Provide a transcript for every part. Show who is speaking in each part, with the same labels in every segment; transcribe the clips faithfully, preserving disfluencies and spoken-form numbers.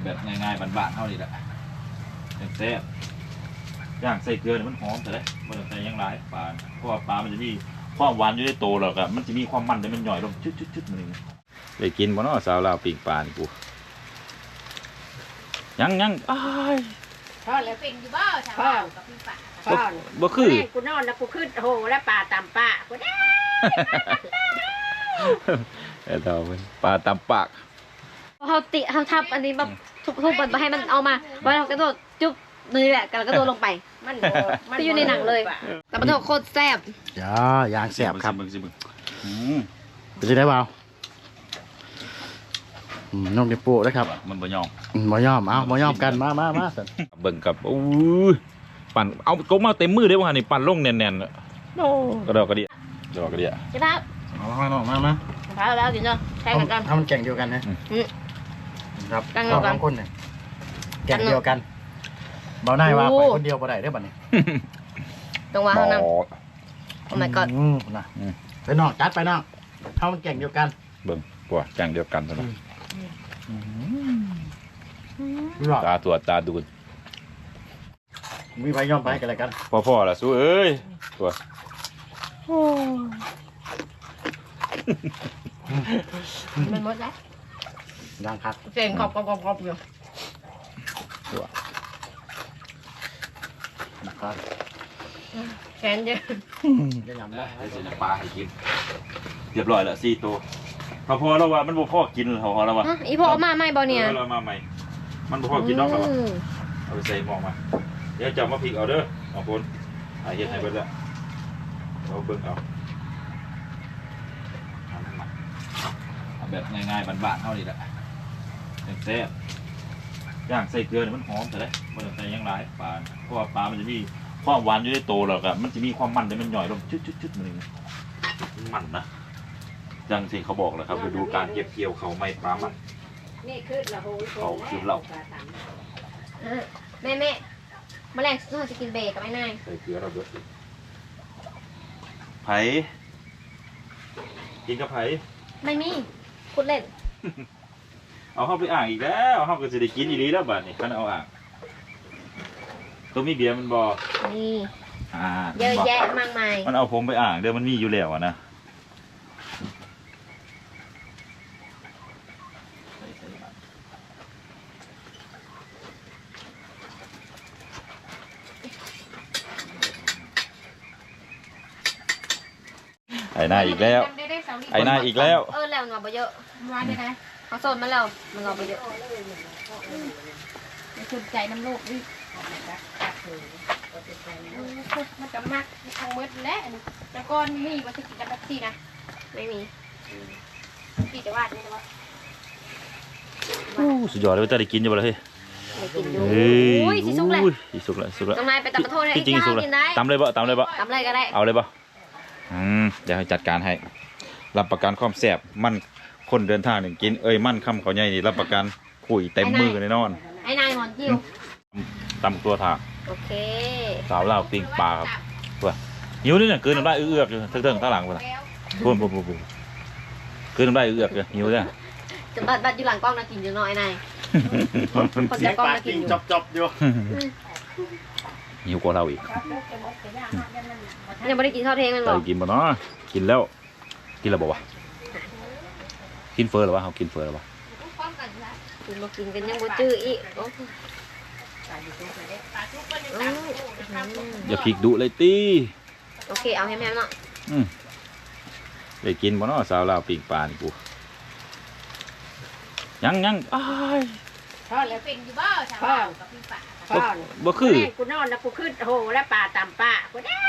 Speaker 1: แบบง่ายๆบ้านๆเท่านี้แหละแซ่บย่างใส่เกลือเนี่ยมันหอมแต่เลยมันใส่ยังไรปลาเพราะว่าปลามันจะมีความหวานอยู่ในโตแล้วก็มันจะมีความมันแต่มันหน่อยลงชุดๆๆมันนี่ได้กินบ่เนาะสาวลาวปิ้งปลานี่กูยังยังอ้าย
Speaker 2: พ่อแล้วเป็นอยู่บ่ชาวบ้านกับพี่ป่าพ่อ
Speaker 1: บ่คือ
Speaker 2: กูนอนแล้วกูขึ้นโหแล้วปลาตำป่ากูได้
Speaker 1: เอ้าเป็นปลาตำปาก
Speaker 3: เขาติเขาทับอันนี้แบบทุบทุบมันให้มันเอามาวันเรากระโดดจุ๊บนี่แหละกระโดดลงไป
Speaker 2: มัน
Speaker 3: ที่อยู่ในหนังเลยแต่มันโคตรแซ่บ
Speaker 4: ย่ายางแซ่บครับ
Speaker 1: มึงสิมึง
Speaker 4: เป็นยังไงบ้างน้องเดปูนะครับ
Speaker 1: มันบ่ยอม
Speaker 4: บ่ยอมเอาบ่ยอมกันมามามา
Speaker 1: เบิ่งกับอู้ปั่นเอากบมาเต็มมือได้ป่ะนี่ปั่นลงแน่นๆโอ้กระดอกกระเดียกระดอกกระเดีย
Speaker 3: ใช่ป่ะ
Speaker 4: เอามาหน่อยมามา
Speaker 3: พาแล้วกินเนาะใช่กันกัน
Speaker 4: ทำมันแก่งเดียวกันนะครับสองคนเนี่ยแก่งเดียวกันเบาหน้าว่าไปคนเดียวบ่ได้ได้บัดนี้
Speaker 3: ตรงว่าเขานั่งโอ้ my god
Speaker 4: นะไปนอกจัดไปนอกทำมันแก่งเดียวกัน
Speaker 1: เบิ่งกว่าแก่งเดียวกันซะนะตาตัวตาดู
Speaker 4: มีไฟย่อมไปกันอะไรกัน
Speaker 1: พ่อๆล่ะสู้เอ้ยตัว
Speaker 3: มันหมดแล้ว
Speaker 4: ดังครับ
Speaker 3: เสียงกรอบกรอบกรอบอยู่
Speaker 4: ตัวนะครับ
Speaker 3: แขนเยอะ
Speaker 4: จะยำได้
Speaker 1: เดี๋ยวปลาให้กินเรียบร้อยแล้วสี่ตัวพอพอแล้วว่ามันบ่พอกินพอพอแล้วว่า
Speaker 3: อีพ่อมาใหม่บ่เนี่ย
Speaker 1: เรามาใหม่มันบ่พอกินน้องแล้วเอาไปใส่หม้อมาเดี๋ยวจับมาพริกเอาเด้อเอาคนหาเห็ดให้เบิดแล้วเราเบิ่งเอาแบบง่ายๆบ้านๆเท่านี้แหละแซ่บย่างใส่เกลือเนี่ยมันหอมแต่เลยมันใส่ยังไรปลาเพราะว่าปลามันจะมีความหวานอยู่ในโตแล้วก็มันจะมีความมันแต่มันหน่อยลงชุดๆๆมันนี่มันนะจังสิเขาบอกแล้วครับไปดูการเก็บเกี่ยวเขาไม่ปลามัน
Speaker 2: นี่คือเรา
Speaker 1: เขาคือเรา
Speaker 3: แม่แม่แมลงเราจะกินเบรกับไอ้นาย
Speaker 1: ใส่เกลือเราเบิดไผ่กินกับไผ่
Speaker 3: ไม่มีพูดเล่น
Speaker 1: เอาเข้าไปอ่างอีกแล้วเอาเข้าก็จะได้กินอีรีแล้วบัดนี้คันเอาอ่างตัวมีเบียร์มันบอก
Speaker 3: นี่เยอะแยะมากมาย
Speaker 1: มันเอาผมไปอ่างเดี๋ยวมันมีอยู่แล้วนะไอ้หน้าอีกแล้วไอ้หน้าอีกแล้ว
Speaker 3: เออแล้วงอไปเยอะมาได้ไหมเขาโซนมาแล้วมันงอไปเยอะไม่สนใจน้ำลูกดิมันจะมักทางมืดและแต่ก่อนมีวัตถุกิจแบบสี่นะไม่มีพี่จะวาดนี่หรือว่า
Speaker 1: สุดยอดเลยจะได้กินอยู่บ่เลย
Speaker 3: เฮ้ยโอ้ยสิสุกเลย
Speaker 1: สุกเลยสุกเลย
Speaker 3: ทำไมไปตัดปลาทูให้
Speaker 1: จริงๆสุกเลยตำเลยบ่ตำเลยบ่
Speaker 3: ตำเลยก็ได้
Speaker 1: เอาเลยบ่อืมเดี๋ยวให้จัดการให้รับประกันความแซ่บมันคนเดินทางหนึ่งกินเอ้ยมันคำเขาใหญ่นี่รับประกันคุยเต็มมือแน่นอน
Speaker 3: ไอ้นายหอนจิ้ว
Speaker 1: ตำตัวถาก
Speaker 3: โอเค
Speaker 1: สาวลาวปิ้งปลาครับเพื่อหิวนี่เนี่ยคืนน้ำลายเอื้อกอยู่เถิงๆข้างหลังเพื่อนพูนพูนพูนพูนคืนน้ำลายเอื้อกอยู่หิวเนี่ย
Speaker 3: จะบัดบัดอยู่หลังกล้องนะกินอยู่น้อยนาย
Speaker 4: คนจะกล้องนะกินจบจบอยู่
Speaker 1: หิวกว่าเราอีก
Speaker 3: ยังไม่ได้กินข้าวเทงมันหรอ
Speaker 1: กินบ่เนาะกินแล้วกินแล้วบอกว่ากินเฟอร์หรือวะเขากินเฟอร์หรือวะ
Speaker 3: กินมากินกันยังบ่จื้ออีก
Speaker 1: อย่าพลิกดุเลยตี
Speaker 3: โอเคเอาให้แม่เนาะ
Speaker 1: ได้กินบ่เนาะสาวลาวปิ้งปลานี่กูยังยังอ้าย
Speaker 2: พ่อแล้วเป็นอยู่บ่ชาวบ้านกับพี่ป่าพ่อ
Speaker 1: บ่คือ
Speaker 2: กูนอนแล้วกูขึ้นโหแล้วปลาตำป่ากูได้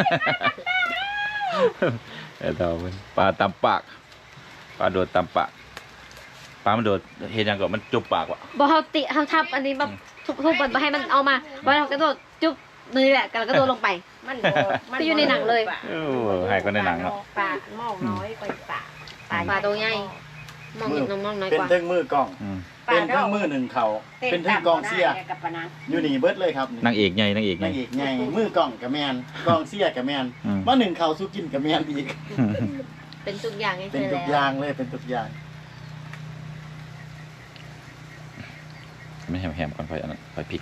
Speaker 1: เอ้าเป็นปลาตำปากปลาโดดตำปากปลามันโดดเห็นยังก็มันจุบปากวะ
Speaker 3: บ่เขาติเขาทับอันนี้แบบทุบทุบมันให้มันเอามาวันเรากระโดดจุ๊บนี่แหละกระโดดลงไป
Speaker 2: มัน
Speaker 3: ที่อยู่ในหนังเลย
Speaker 1: โอ้ให้ก็ในหนังเนาะ
Speaker 2: ปลาหม้อน้อยกว่าปลา
Speaker 3: ปลาตัวใหญ่มองน้องมองน้อยกว่า
Speaker 4: เป็นเทิงมือกล้องเป็นเทิงมือหนึ่งเข่าเป็นเทิงกองเสียอยู่นี่เบิดเลยครับ
Speaker 1: นางเอกใหญ่นางเอก
Speaker 4: นางเอกใหญ่มือกล้องกับแมนกองเสียกับแมนว่าหนึ่งเข่าสู้กินกับแมนอีก
Speaker 3: เป็นทุกอย่าง
Speaker 4: เป็นทุกอย่างเลยเป็นทุกอย่าง
Speaker 1: ไม่แฮมๆก่อนค่อยอันนั้นค่อยพริก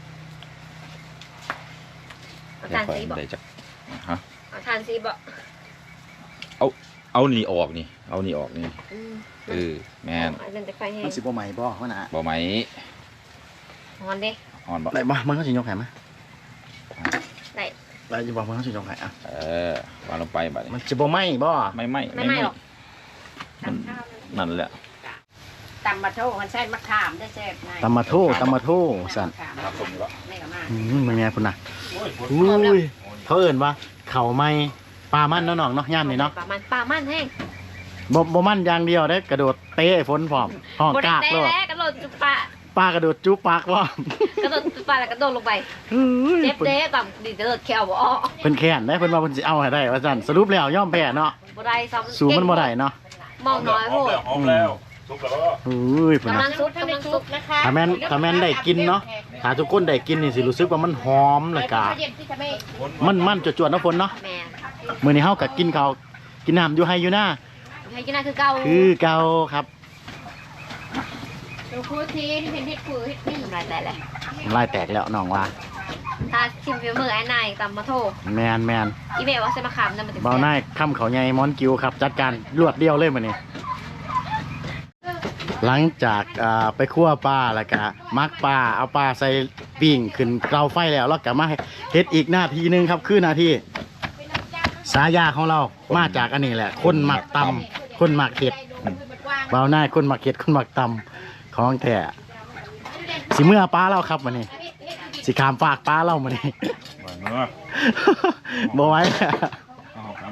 Speaker 3: เอาทานซีบอก
Speaker 1: ได้จักฮะ
Speaker 3: เอาทานซีบอก
Speaker 1: เอานี่ออกนี่เอานี่ออกนี่
Speaker 3: อืม
Speaker 1: เออแม่น
Speaker 3: อันนั้นจะไฟแห้
Speaker 4: มั
Speaker 3: ง
Speaker 4: นสิบ่ใหม่บ่ว่าน่ะ
Speaker 1: บ่ไหม
Speaker 3: หอนเด้
Speaker 1: อ่อนบ่
Speaker 4: ได้บ่มันก็สิยกให้มา
Speaker 3: ได้
Speaker 4: ได้อยู่บ่มันก็สิยกให้อ่ะ
Speaker 1: เออวางลงไปบัด
Speaker 4: มั
Speaker 1: นี้
Speaker 4: นสิบ่ไหม้บ่
Speaker 1: ไม่ไหม
Speaker 3: ไม่ไหม้หรอก
Speaker 1: มันนั่นแหละ
Speaker 5: ตำมะโถมันใช่มะขามได้แซ่บไง
Speaker 4: ตำมาโทตำมาโทสั่น
Speaker 1: ครับผมก็
Speaker 5: ไม่ก็มา
Speaker 4: อืมมันไงพุ่นน่ะอุ้ยเขาเอิ้นว่าเขาไหม้ปลามันเนาะน้องเนาะย่ามนี่เนาะ
Speaker 3: ปลามันปลามันแห้ง
Speaker 4: บ่บ่มันอย่างเดียวเด้กระโดดเตะฝนพร้อมห้อง
Speaker 3: บด
Speaker 4: กาก
Speaker 3: เตะ
Speaker 4: โลด
Speaker 3: แล้วกระโดดจุปลา
Speaker 4: ปลากระโดดจุ๊บปากพร้อม
Speaker 3: กระโดดจุปลาแล้วกระโดดลงไป
Speaker 4: เฮ้ย
Speaker 3: เจ็บเด้ต่ำดิกระโดดแขวบ่ออก
Speaker 4: เพิ่นแค้นได้เพิ่นว่าเพิ่นสิเอาให้ได้ว่าซั่นสรุปแล้วยอมแพ้เนาะ
Speaker 3: บ่ได้ซ้ำ
Speaker 4: สู้มันบ่ได้เนาะ
Speaker 3: มองน้อยโพด
Speaker 1: หอมแล้วสุกแล้ว
Speaker 4: อุ้ยพุ่น
Speaker 3: กำลั
Speaker 4: น่ะ
Speaker 3: งซุกกำลังซุก
Speaker 5: นะคะ
Speaker 4: ถ้าแม่นถ้าแม่นได้กินเนาะถ้าทุกคนได้กินนี่สิรู้สึกว่ามันหอมแล้วก็
Speaker 5: เย็นที่จะไม่
Speaker 4: มันมันจวดๆเนาะฝนเนาะ
Speaker 3: แม่
Speaker 4: มื้อนี้เฮาก็กินข้าวกินน้ำอยู่ไห้อยู่หน้า
Speaker 3: ให้กินน่าคือเก่า
Speaker 4: คือเก่าครับ
Speaker 5: ดูคูทีที่เป็นเห็ดผือเห็ดนี่
Speaker 3: ทำลายแต่แหละ
Speaker 4: น้ำลายแตกแล้วน้องว่า
Speaker 3: ถ้าชิมฝีมือไอ้นายตำมาโท
Speaker 4: แมนแมน
Speaker 3: อีเมลว่าใส่มะขามนั่นมันถึง
Speaker 4: เบาหน้าค่ำเขาใหญ่มอนกิวครับ จัดการรวดเดียวเลยมื้อนี้หลังจากอ่าไปคั่วปลาแล้วก็มักปลาเอาปลาใส่ปิ้งขึ้นเตาไฟแล้วแล้วก็มาเฮ็ดอีกหน้าทีหนึงครับคือหน้าที่สายาของเรามาจากอันนี้แหละ คนหมักตำคนหมักเห็ดเบาหน้าคนหมักเห็ดคนหมักตำของแท้สิเมื่อปลาเราครับมื้อนี้สิขามฝากปลาเรามื้อนี้
Speaker 1: เนื้อ
Speaker 4: บ่ไหว้
Speaker 1: เอาครับ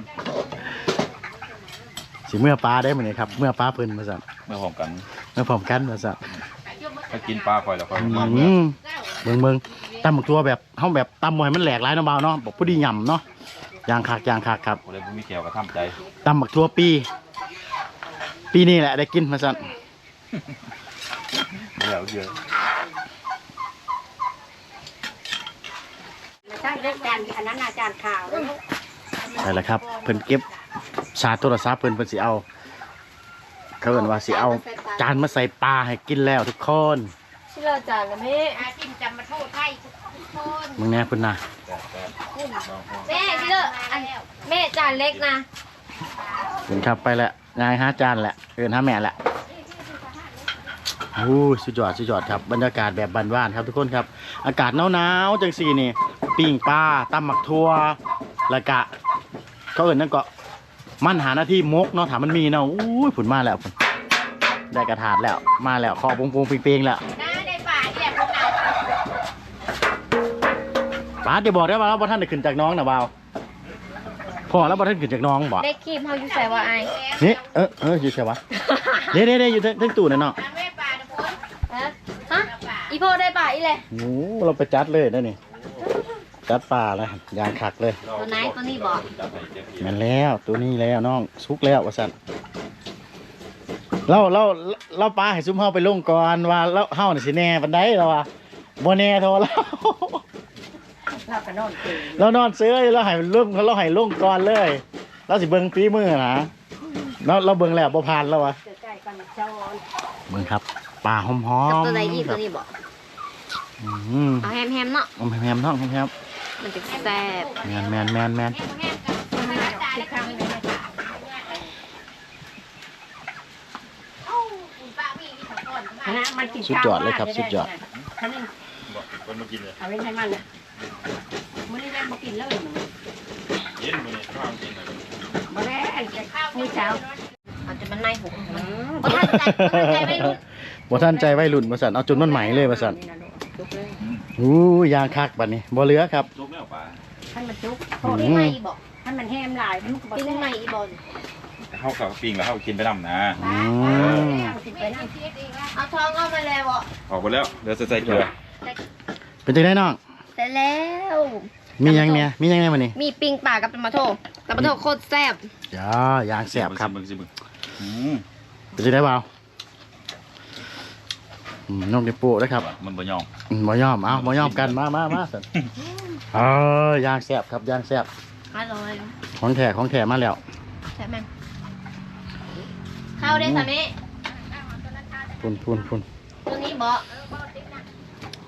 Speaker 4: สิเมื่อปลาได้มื้อนี้ครับเมื่อปลาเพิ่นมาสั่น
Speaker 1: เมื่อหอมกัน
Speaker 4: เมื่อพร้อมกันมาสั่น
Speaker 1: ถ้ากินปลาคอยแล้วคอย
Speaker 4: อื
Speaker 1: มา
Speaker 4: มเบิ่งเบิ่งตำบักตัวแบบเฮาแบบตำบ่ให้มันแหลกหลายเนาะบ่าวเนาะบอกผู้ดีหย่ำเนาะอย่างคักอย่างคักครับ
Speaker 1: คนใดบ่มีแก้วก็ทำใจ
Speaker 4: ตำบักตัวปี ปีนี้แหละได้กินมาสั่น
Speaker 1: เดี๋ยวเยอะ
Speaker 5: ไม่ใช่เรื่องจานอันนั้นอาจารย์ข่าว
Speaker 4: ใช่แล้วครับเพิ่นเก็บชาร์จโทรศัพท์เพิ่นเพิ่นสิเอาเขาเอิ้นว่าสิเอาจานมาใส่ปลาให้กินแล้วทุกคน
Speaker 3: ชิลาจานละแม่
Speaker 5: อาจิ้มจำมาโทษไทยทุกคน
Speaker 4: มึงแน่เพิ่นน่ะ
Speaker 3: แม่ชิลาอันแม่จานเล็กนะ
Speaker 4: เพิ่นครับไปแล้วยายหาจานแหละเอิ้นหาแม่แหละโอ้ยสุดยอดสุดยอดครับบรรยากาศแบบบ้านๆครับทุกคนครับอากาศหนาวๆจังซี่นี่ปิ้งปลาตำหมักทั่วแล้วก็เขาเอิ้นนั่นก็มันหาหน้าที่มกเนาะถามมันมีเนาะอู้ยผุนมาแล้วผุนได้กระถาดแล้วมาแล้วคอปุงๆเปียงๆแล้ว
Speaker 5: น้าได้ป่าเนี่ยพวกเรา
Speaker 4: ป้าเดี๋ยวบอกได้ว่าเราบ่ท่านได้ขึ้นจากน้องนะบ่าวพ่อแล้วบ่ท่านขึ้นจากน้องบ่
Speaker 3: ได้ครีมเฮาอยู่ใส่ว่าไอ
Speaker 4: นี่เออเอออยู่ใช่ปะเด้เด้เด้อยู่เทั้งตู้นั่นเนาะ
Speaker 5: น้าแม่ป่าทุกคน
Speaker 3: ฮะฮะอีโพได้ป่ะอีเลย
Speaker 4: โอ้เราไปจัดเลยนะนี่จัดปลาแล้วยางคักเลย
Speaker 3: ตัวไหนตัวนี้บอก
Speaker 4: แม่นแล้วตัวนี้แล้วน้องสุกแล้วว่าซั่นเราเราเราปลาให้ซุ่มเฮาไปลงก่อนว่าเราเฮาน่ะสิแน่ปานใดเราว่าบ่แน่โทรเรา
Speaker 5: เรากระโดดเก่ง
Speaker 4: เรานอนเสื้อเราให้ลงเราให้ลงก่อนเลยเราสิเบิ่งฝีมือนะเราเราเบิ่งแล้วบ่ผ่านแล้ววะ
Speaker 5: ใกล้ๆกันเจ้า
Speaker 4: เบิ่งครับปลาหอม
Speaker 3: กับ
Speaker 4: ๆ
Speaker 3: ตัวไหนอีตัวนี้บอก
Speaker 4: อืม
Speaker 3: เอาแฮมแฮมๆเนาะ
Speaker 4: หอมแฮมๆท้องหอมแฮม
Speaker 3: มันจะแซ่บ
Speaker 4: แมนแมนแมนแมน
Speaker 5: ที่ครั้งนี้
Speaker 2: ป้ามีมีสองคน
Speaker 5: นะมันกิน
Speaker 4: สุดยอดเลยครับสุดยอด
Speaker 5: ท่านนึง
Speaker 1: บอกคนมากินเลย
Speaker 5: เอาไว้ให้มันนะมื้อนี้แม่บ่กินเลย
Speaker 1: เย็นมื้อนี้ข้าวกินเลย
Speaker 5: บ่แล้วจะมื้อเช้า
Speaker 3: เอาจนมันในหูมันบ่ทันใจบ่ทันใจไม่รู้
Speaker 4: บ่ท่านใจไว้รุ่นมาสั่นเอาจนมันไหมเลยมาสั่น
Speaker 5: จุกเลย
Speaker 4: อู้ยางคักบัดนี้บ่เหลือครับ
Speaker 1: จุกแล้วปลา
Speaker 5: ให้มันจุก
Speaker 3: โทษไม่บอก
Speaker 5: ให้มันแห้มหลายมันก็บ่
Speaker 3: ติ้ง
Speaker 5: แซ่บ
Speaker 3: ไม่อีบอล
Speaker 1: เฮากับปิ้งแล้วเฮากินไปนำนะ
Speaker 4: อืม
Speaker 5: กินไปนั่ง
Speaker 3: เอาทองเอามาแล้วบอก
Speaker 1: ออกไปแล้วเดี๋ยวจะใส่เกลือ
Speaker 4: เป็นจังได๋น้อง
Speaker 3: แต่แล้ว
Speaker 4: มีหยังเนี่ยมีหยังแน่มื้อนี้
Speaker 3: มีปิงป่ากับตะมาโทตะมาโทโคตรแซ่บ
Speaker 4: จ้ายางแซ่บครับ
Speaker 1: เบิ่งสิเบิ่งอืม
Speaker 4: เป็นจังได๋บ่าวอืมน้องเดโป้เด้อครับ
Speaker 1: มันบ่ยอม
Speaker 4: อืมบ่ยอมเอ้าบ่ยอมกันมามามาสั่นเออยางแซ่บครับยางแซ่บ
Speaker 3: อร่อย
Speaker 4: ของแท้ของแท้มาแล้ว
Speaker 3: ใช่ไหมเข้าได้สามี
Speaker 4: พุ่นพุ่นพุ่น
Speaker 3: ตัวนี้บอก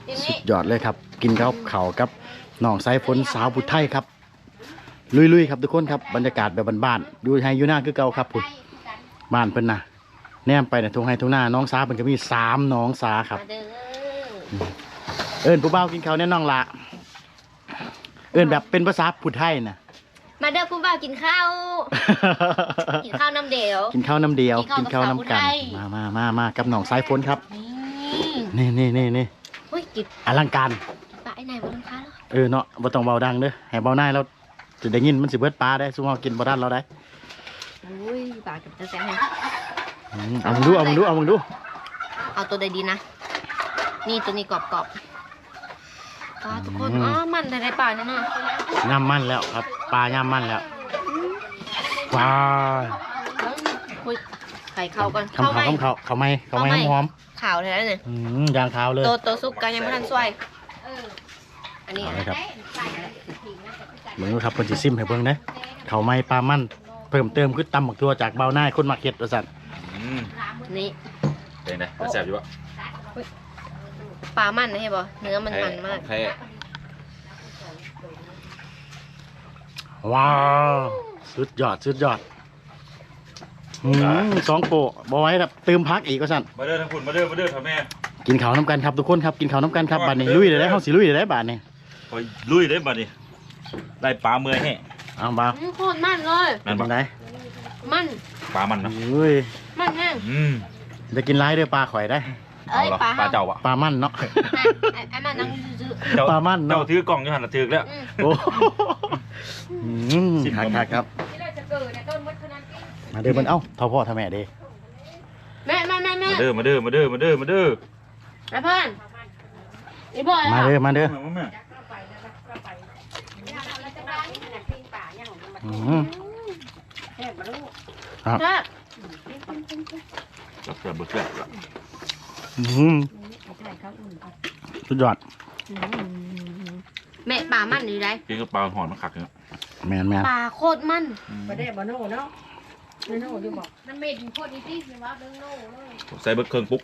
Speaker 3: ที
Speaker 4: สุ
Speaker 3: นี้
Speaker 4: ดยอดเลยครับ กินข้าวเขาวกับน้องสายฝนสาวผู้ไทยครับ ลุยๆครับทุกคนครับบรรยากาศแบบบ้านๆอยู่ไฮอยู่หน้าคือเก่าครับพุ่นบ้านเพิ่นนะแนมไปเนี่ยทุ่งไฮทุ่งหน้าน้องสาเพิ่นก็มีสามน้องสาครับ
Speaker 3: มาเด้อ
Speaker 4: เอิ้นผู้บ่าวกินข้าวแน่น้องละเอิ้นแบบเป็นภาษาผู้ไทยนะ
Speaker 3: มาเด้อคุณบ่าวกินข้าวกินข้าวน้ำเดียว
Speaker 4: กินข้าวน้ำเดียว
Speaker 3: กิ
Speaker 4: กิน
Speaker 3: นข้า
Speaker 4: ข้าว ว
Speaker 3: กับ
Speaker 4: น้ำกัน
Speaker 3: สาวผู้ไทย
Speaker 4: มามามามากับน้องสายฝนครับ
Speaker 3: นี่
Speaker 4: นี่นี่นี่นี่
Speaker 3: เฮ้ยกิน
Speaker 4: อลังการ
Speaker 3: ปลาไอ้ไหนบ่ต้องค้าแล้ว
Speaker 4: เออเนาะบ่ต้องเบาดังเด้อให้เบาหน้าแล้วจะได้ยินมันสิเบิดปลาได้ซุมเฮากินบ่ทันเราได้
Speaker 3: อุ้ยปลากับจะแซ่บให้
Speaker 4: อืมเอามึงดูเอามึงดูเอามึงดู
Speaker 3: เอาตัวใดดีนะ นี่ตัวนี้กรอบๆปลาทุกคนอ๋อมันแต่ในป่าเนี่ยเนาะ
Speaker 4: ย่ำมันแล้วครับปลาย่ำมันแล้วว้าย
Speaker 3: คุยไข่เข้าก่อน
Speaker 4: คำเขาคำเขาเขาไม่เขาไม่หอม
Speaker 3: ข่าวแท้เนี่ย
Speaker 4: ๆอืมยางเท้าเลย
Speaker 3: ตัวตัวซุปกันยังไม่ทันสวย
Speaker 2: เออ
Speaker 3: อันนี้
Speaker 4: เอา
Speaker 3: อะ
Speaker 4: เลยครับ
Speaker 2: ใส่ผิงนะแต่พี่ใส่
Speaker 4: เบิ่งดูครับเพิ่นสิซิมให้เบิ่งเด้อเขาไม่ปลามันเพิ่มเติมคือตำบักตัวจากเบาหน้าคนมาเก็ตว่าซั่น
Speaker 1: อืม
Speaker 3: นี่
Speaker 1: เป็นไงมันแซ่บอยู่ปะ
Speaker 3: ปลามันนะเห็นบ่เนื้อมันมันมาก
Speaker 1: แท้
Speaker 4: ว้าวสุดยอดสุดยอดอืมสองโปะบ่ไว้ครับเติมพักอีกว่าซั่น
Speaker 1: มาเด้อทั้งคุณมาเด้อมาเด้อท่าแม่
Speaker 4: กินข้าวน้ำกันครับทุกคนครับกินข้าวน้ำกันครับบัดนี้ลุยเลยได้เฮาสิลุยเลยได้บัดนี้
Speaker 1: คอยลุยได้บัดนี้ได้ปลาเมื่อยแห้ง
Speaker 4: เอาบ่าว
Speaker 3: อืมโคตรมันเลย
Speaker 1: นั่น
Speaker 4: เป็
Speaker 1: ปะ
Speaker 4: นได
Speaker 3: มัน
Speaker 1: ปลามันนะ
Speaker 4: อุ้ย
Speaker 3: มันแห้ง
Speaker 1: อืม
Speaker 4: จะกินร้ายเด้อปลาข่อยได้
Speaker 3: เอ้ย
Speaker 1: เหรอ
Speaker 3: ปลา
Speaker 1: ปลา
Speaker 3: เฮา
Speaker 1: เจ้าปะ
Speaker 4: ปลามันเนาะ
Speaker 3: ไอ้ไอ้มันนั่งซื้อ
Speaker 1: เจ้า
Speaker 4: ปลามันเนอะ
Speaker 1: เจ้าถือกล่องอยู่หันละถือกแล้ว
Speaker 3: ๆอืม
Speaker 4: โอ้อืม
Speaker 1: สิบ
Speaker 4: คัก
Speaker 1: กว่า
Speaker 4: คักครับ
Speaker 2: ที่เราจะเกิดเนี่ยต้นมดขนาดนี้
Speaker 4: มาเด้อมันเอ้าเท่าพ่อเท่าแม่เด้
Speaker 3: แม่แม่แม่แม่
Speaker 1: มาเด้อมาเด้อมาเด้อมาเด้อมาเด้อ
Speaker 3: ไอ้เพื่อนไอ้บอย
Speaker 4: มาเด้อมาเด้อ
Speaker 1: มาแม่
Speaker 4: อืมครับ
Speaker 3: ครับ
Speaker 1: จับจับเบิดแซ่บละ
Speaker 4: อืมสุดยอด
Speaker 3: แม่ปลามันอยู่ไหน
Speaker 1: กินกับปลาหอนมันขักเนี่ย
Speaker 4: แมนแมน
Speaker 3: ปลาโคตรมัน
Speaker 5: บ่ได้บ่โน่เนาะไม่โน่อยู่บ่
Speaker 2: น้ำเม็ดโคตรดีที่คือว่าเรื่องโน่เลย
Speaker 1: ใส่เบิดเครื่องปุ๊ก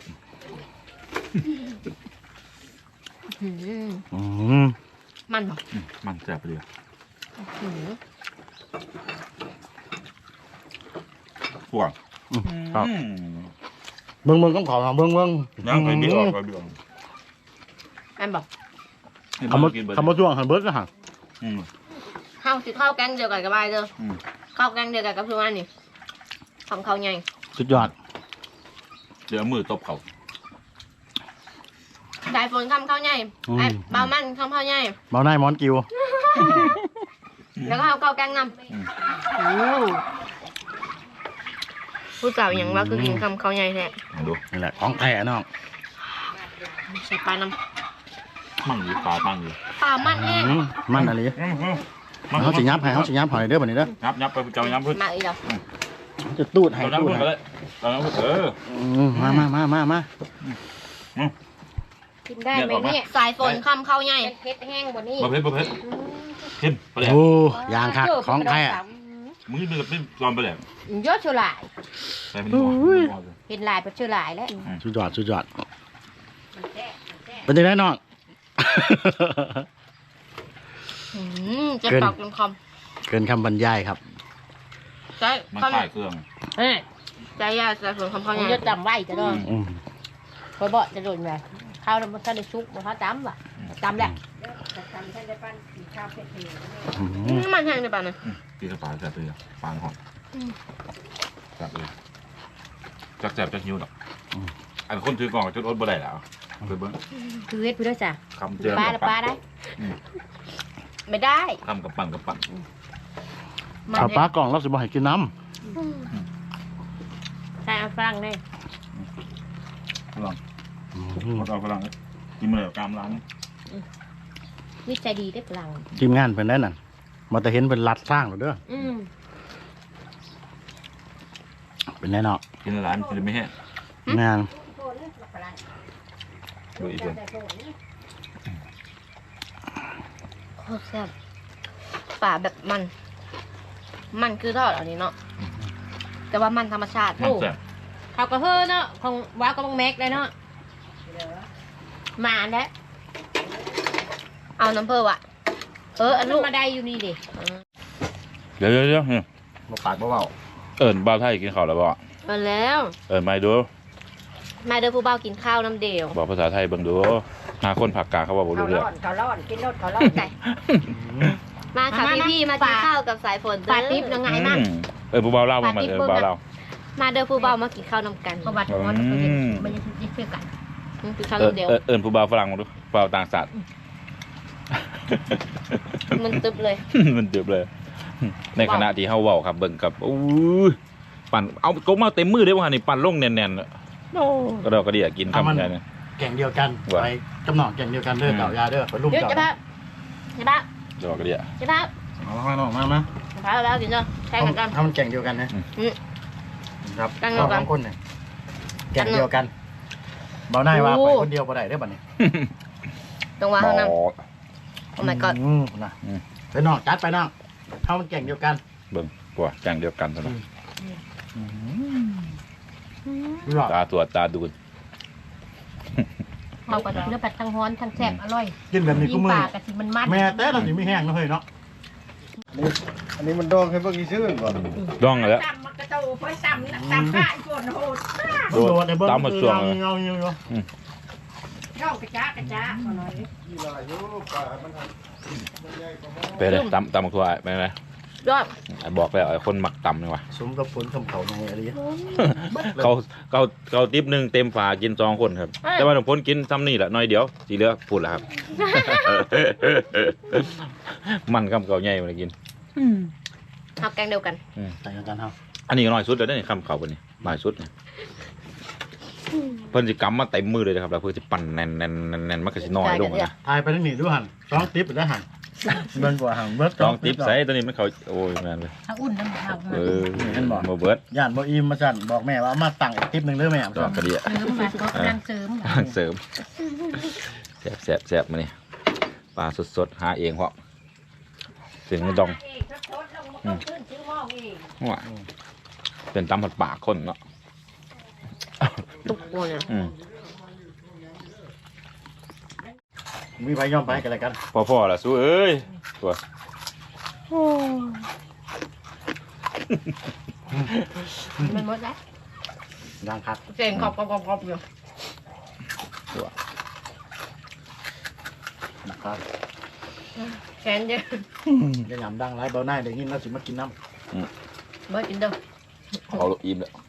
Speaker 3: อืม
Speaker 4: อืม
Speaker 3: มันเหรอ
Speaker 1: อืมมันแซ่บไปเลย
Speaker 3: อืม
Speaker 1: พวก
Speaker 4: อืมครับ
Speaker 1: อืม
Speaker 4: เบิ่งเบิ่งต้องขอเบิ่งเบิ่ง
Speaker 1: ยังไปบิดออกไปบิดออก
Speaker 3: อันบอก
Speaker 4: คำว่า
Speaker 1: กินเบิด
Speaker 4: คำว่าช่วงหันเบิร์ดนะฮะ
Speaker 1: อืม
Speaker 3: ข้าวสิข้าวแกงเดียวกันกับบายเด้อ
Speaker 1: อืม
Speaker 3: ข้าวแกงเดียวกันกับทุกอันนี่ทำข้าวใหญ่
Speaker 4: สุดยอด
Speaker 1: เดี๋ยวเอามือตบเขา
Speaker 3: สายฝนทำข้าวใหญ่ไอ้เบามันทำข้าวใหญ่
Speaker 4: เบาหน้ามอนกิว
Speaker 3: แล้วก็เอาข้าวแกงนำโอ้ผู้สาวอย่างว่าคือกินคำข้าวใหญ่แท้
Speaker 1: มาดู
Speaker 4: นี่แหละของแท้น้อง
Speaker 3: ใส่ปลาน้
Speaker 1: มั่งอยู่ปลามั่งอยู่
Speaker 3: ำปลามันแห้ง
Speaker 4: อืมมันอะไร
Speaker 1: อืมอืม
Speaker 4: เขาสิยับให้เขาสิยับให้เด้อบัดนี้เด้อ
Speaker 1: ยับยับไปเจ้ายับพึ่ง
Speaker 3: มาอีกแล้ว
Speaker 4: จะตูดให้
Speaker 1: เจ้ายับ
Speaker 4: ตูด
Speaker 1: พึ่ง
Speaker 4: ให้
Speaker 1: ก็ได้เจ้ายับพึ่งเออ
Speaker 4: อืมมามามามามา
Speaker 2: กินได้ไหมเนี่ย
Speaker 3: สายฝนคำข้าวใหญ่
Speaker 2: เป็นเพชรแห้งกว่านี้
Speaker 1: ประเภทประเภทเข้มไปเลย
Speaker 4: โอ้ยางคักของแท้
Speaker 1: มึงนี่มันไม่ลองไปเลย
Speaker 2: ยอดเชลาย
Speaker 1: ไปเป็นหัว
Speaker 2: เห็นลายเป็นเชลายแล้ว
Speaker 4: สุดยอดสุดยอดเป็นยังไงน้อง
Speaker 3: อืมจะ
Speaker 4: เกิน
Speaker 3: ปอกจนค
Speaker 4: เกินคำบรรยายครับ
Speaker 3: ำใจ
Speaker 1: มัน
Speaker 3: คำ
Speaker 1: คลายเครื่อง
Speaker 2: เอ้ย
Speaker 3: ใจยาสายฝนคำข้าวให
Speaker 2: มัน
Speaker 3: ญ่
Speaker 2: จะจำไว้จะโดน
Speaker 4: อืม
Speaker 2: คอยบอกจะโดนไงข้าวมันจะได้ชุกมันเขาจำว่ะจำแหละ
Speaker 4: อื
Speaker 3: อื
Speaker 4: ม
Speaker 3: มมันแห้งในปลาเนี่ย
Speaker 1: ตีกระป๋าแสบเลยปางหอมแสบเลยจักแสบจักหิวหรอกอันคนถือกล่องจนอดบ่ได้แล้วไปเบิ้ง
Speaker 2: คือเวทพี่ด้วยจ้ะ
Speaker 1: คำเจอ
Speaker 2: ปลาละปลาได้
Speaker 3: ไม่ได้
Speaker 1: คำกับปั่นกับปั่น
Speaker 3: มัน
Speaker 4: ข้าวป
Speaker 3: แห้
Speaker 4: ลาง กล่องเราสิบ่ให้กินน้
Speaker 2: ใช่เอาฝรั่งเนี่ย
Speaker 1: ฝรั่ง
Speaker 4: ำอืม
Speaker 1: มาเอาฝรั่งเลยกินมาแล้วกามร้าน
Speaker 2: นิสัยดีได้ฝรั่ง
Speaker 4: ทีมงานเพิ่นได้นั่นมาแต่เห็นเพิ่นรัดสร้างหรอเด้อ
Speaker 2: อืม
Speaker 4: เป็นแน่เนาะ
Speaker 1: กินร้านกินไม่แห้ง
Speaker 4: งาน
Speaker 1: ดูอีกคน
Speaker 3: โคตรแซ่บปลาแบบมัน มันคือทอดอันนี้เนาะแต่ว่ามันธรรมชาติ
Speaker 1: มันแสบ
Speaker 2: เขาก็เฮ้อเนาะของว้าวก็บังแม็กได้เนาะมาแล้วเอาน้ำเพิ่มอ่ะเอออัน
Speaker 3: ลู
Speaker 2: ลู
Speaker 3: ก
Speaker 2: ก
Speaker 3: มาได้อยู่นี่ดิ
Speaker 1: เดี๋ยวเดี๋ยวเดี๋ยวเนี่ย
Speaker 4: บ่ปากบ่เว้า
Speaker 1: เอิญบ้าวไทยกินข้าวแล้วบ่
Speaker 2: มาแล้ว
Speaker 1: เอิญไม่ดู
Speaker 2: มาเด้อผู้เบากินข้าวน้ำเดียว
Speaker 1: บอกภาษาไทยเบิ่งดูหาคนผักกลางเขาบอกบ่
Speaker 3: เขา
Speaker 1: รู้เรื่
Speaker 3: ร้
Speaker 1: อง
Speaker 3: อนเขาร้อนกินรถเขาร้อน
Speaker 2: ไก่มาค่ะพี่พี่ๆมากินข้าวกับสายฝนเด้อ
Speaker 3: ปลาติ๊บยังไงมั่ง
Speaker 1: อืมเออผู้เบาเล่ามา
Speaker 3: ปา
Speaker 1: เอ
Speaker 3: ติ๊บ
Speaker 1: อ
Speaker 3: เบิ่ง
Speaker 1: เบา
Speaker 3: อะ
Speaker 1: เล่า
Speaker 2: มาเด้อผู้เบามากินข้าวน้ำกัน
Speaker 3: ประวัติของมันเขาเห็นมันยังจะเชื่อกัน
Speaker 2: อืมกินข้าว
Speaker 1: เออ
Speaker 2: น้ำเดียว
Speaker 1: เออเอิญผู้เบาฝรั่งมาดูเบาต่างชาติ
Speaker 2: มันตึบเลย
Speaker 1: มันเดือบเลย ในขณะที่เฮาเว้าครับเบิ่งกับอู้ยปั่นเอากบมาเต็มมือเด้ว่านี่ปั่นลงแน่นๆอะโอ้ก็ดอกกระเดียกินคำใหญ่เนี่ย
Speaker 4: แก่งเดียวกัน
Speaker 1: ว่า
Speaker 4: ไปกำหนองแก่งเดียวกันเด้อ
Speaker 1: อืม
Speaker 4: เก่ายาเด้อไปลุ่ม
Speaker 2: เดี๋ยว
Speaker 4: เก่า
Speaker 2: จะพาจะพา
Speaker 1: ดอกกระเดีย
Speaker 2: จะพา
Speaker 4: เอามาน้องมามา
Speaker 2: จะพาแล้วกินเนาะแข่งกันกัน
Speaker 4: ถ้ามันแก่งเดียวกันนะ
Speaker 2: อืม
Speaker 4: ครับ
Speaker 2: แก่งเดียวกัน
Speaker 4: สองคนเนี่ยแก่งเดียวกันเบาหน้าว่า
Speaker 2: โอ้
Speaker 4: ไปคนเดียวบ่ได้เด้อบัดนี้
Speaker 2: ตรงว่า
Speaker 1: หม
Speaker 2: ห้อง
Speaker 1: อ
Speaker 2: น้ำ Oh my god
Speaker 4: อืมนะ
Speaker 1: อืม
Speaker 4: ไปน้องจัดไปน้องถ้ามันแก่งเดียวกัน
Speaker 1: เบิ่งกว่าอย่างเดียวกันซะนะ
Speaker 4: ดูหรอ
Speaker 1: ตาตัวตาดูด
Speaker 3: เขาก็เนื้อปัดทั้งฮ้อนทั้งแซ่บอร่อย
Speaker 4: กินแบบนี้
Speaker 3: กิ
Speaker 4: กู
Speaker 3: น
Speaker 4: มื
Speaker 3: ป
Speaker 4: อ
Speaker 3: ลากะทิมันมัน
Speaker 4: แม่แต่เราสิไม่แห้งนะเฮ้ยเนาะอันนี้มันดองให้เบิ่งอีซื่อก่อน
Speaker 1: ดองแล้ว
Speaker 3: ตำมันกระโตไปตำตำข้าอีกคนโหด
Speaker 1: โดด
Speaker 4: โดดให้เบิ่ง
Speaker 1: ตามมาช่วง
Speaker 4: เงาเงาเงาเงา
Speaker 3: เข้ากระจ้ากระจ้าอร่อย
Speaker 1: ไปเลยตำตำบักทั่วไปไหม
Speaker 2: ยอด
Speaker 1: ไอ้บอกแล้วไอ้คนมักตำนี่ว่ะ
Speaker 4: สมกับฝนคำเขาในอะไร
Speaker 1: เขาเขาเขาติ๊บหนึ่งเต็มฝากินสองคนครับ แต่ว่าหลวงพ้นกินซ้ำนี่แหละน้อยเดียวสีเหลือพูดแล้วครับ มันคำเก่าใหญ่มากิน
Speaker 2: เอาแกงเดียวกัน
Speaker 4: ใส่กันเฮา
Speaker 1: อันนี้ก็น้อยสุดแล้วนี่คำเขาคนนี้น้อยสุดเนี่ยเพิ่นสิกำมาเต็มมือเลยนะครับแล้วเพิ่นสิปั่นแน่นแน่นแน่นแน่นมันก็สิน้อยลงอะนะ
Speaker 4: ทายไปทั้งนี้ดูหันสองติ๊บไปแล้วหันเบิ่งกว่าหันเบิด
Speaker 1: ลองติ๊บใส่ตัวนี้มันเขาโอ้ยแม่นเลย
Speaker 3: ถ้าอุ่นน้ำข้าว
Speaker 1: เออโมเบิร์ต
Speaker 4: ย่านบ่อิ่มมาสั่นบอกแม่ว่าเอามาตั้งอีกติ๊บหนึงเด้อแม่
Speaker 1: ดอกกระเดีย
Speaker 3: เสริมมาก็กำลังเสริม
Speaker 1: เสริมแสบแสบแสบมานี่ปลาสดๆหาเองเพราะถึงดองว่าเป็นตำผัดปากคนเนาะ
Speaker 2: ทุกคนเนี่ย
Speaker 1: อืม
Speaker 4: มีไปย่อมไปกันอะไรกัน
Speaker 1: พ่อพ่อละสู้เอ้ยตัว
Speaker 3: มันหมดแล้ว
Speaker 4: ดังคัก
Speaker 3: เสียงกรอบกรอบกรอบกรอบอยู่
Speaker 1: ตัว
Speaker 4: นะครับ
Speaker 3: แขนเยอะ
Speaker 4: จะยำดังไรเบาหน้าเดี๋ยวนี้เราสิมากินน้
Speaker 3: เบิร์กินเด้อ
Speaker 1: เขาลูกอิ่มแล้ว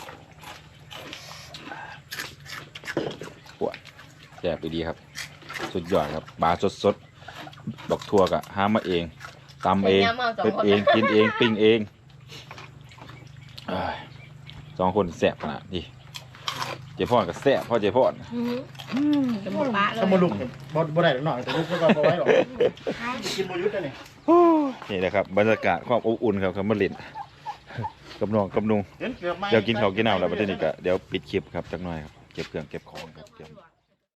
Speaker 1: ปวดแสบดีครับ สุดยอดครับปลาสดๆดอกทั่วกะหามาเองตำเองเป็ดเองกินเองปิ้งเองเอ้ยสองคนแสบขนาดนี้เจ๊พ่อกับแสบพ่อเจ๊พ่อ
Speaker 3: จะหมดปะเล
Speaker 4: ำ
Speaker 3: ย
Speaker 4: ถ้ามาลุกเนี่ยบ่บ่ได้หน่อยแต่ลุกก็บ่ไว้หรอกกินบ่ยุทธ์นี่
Speaker 1: นี่แหละครับบรรยากาศความอบอุ่นครับครับมาเลินกับน้องกับนุง
Speaker 4: เห็นเกือบไหม
Speaker 1: เดี๋ยวกินข้าวกินน้ำแล้วประเด็นนี้ก็เดี๋ยวปิดคลิปครับจักหน่อยครับเก็บเครื่องเก็บของครับเก็บ